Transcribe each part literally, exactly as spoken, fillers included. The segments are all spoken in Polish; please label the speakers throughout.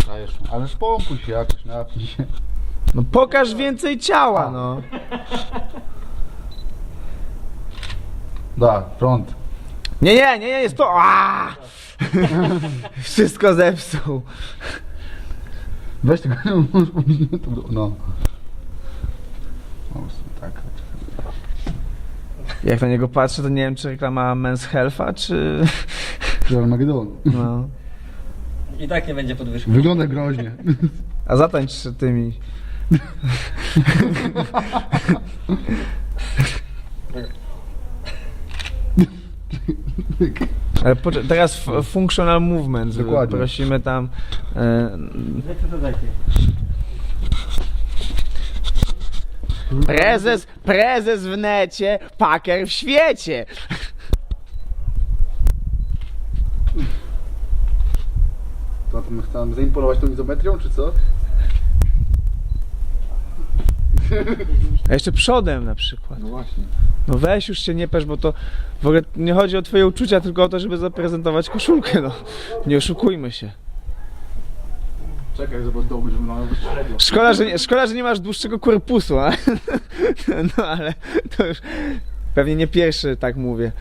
Speaker 1: Dajesz, ale spompuj się jakoś, napij się.
Speaker 2: No pokaż więcej ciała, no.
Speaker 1: Da, front.
Speaker 2: Nie, nie, nie, nie, jest to. Aaaa! Wszystko zepsuł.
Speaker 1: Weź tego, możesz powiedzieć, no. O, tak.
Speaker 2: Jak na niego patrzę, to nie wiem, czy reklama Men's Health'a, czy...
Speaker 1: Czy Armagedon.
Speaker 2: No.
Speaker 3: I tak nie będzie podwyżki.
Speaker 1: Wygląda groźnie.
Speaker 2: A zatańcz tymi... Ale poczekaj, teraz f- functional movement.
Speaker 1: Dokładnie.
Speaker 2: Prosimy tam... E,
Speaker 3: Co to takie?
Speaker 2: prezes, prezes w necie, paker w świecie.
Speaker 1: To, to my chcemy zaimponować tą izometrią, czy co?
Speaker 2: A jeszcze przodem na przykład.
Speaker 1: No właśnie.
Speaker 2: No weź już się nie pesz, bo to w ogóle nie chodzi o twoje uczucia, tylko o to, żeby zaprezentować koszulkę, no. Nie oszukujmy się.
Speaker 1: Czekaj, zobacz, dołby, żeby nam średnio.
Speaker 2: Szkoda, że nie, szkoda, że nie masz dłuższego korpusu, a? No ale to już pewnie nie pierwszy tak mówię.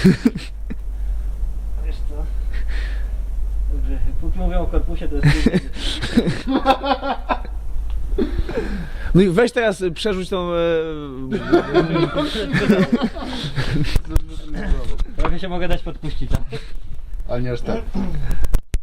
Speaker 3: Wiesz co? Dobrze, póki mówię o korpusie, to jest...
Speaker 2: No i weź teraz y, przerzuć tą... E,
Speaker 3: Trochę się mogę dać podpuścić, tak?
Speaker 1: Ale nie aż tak.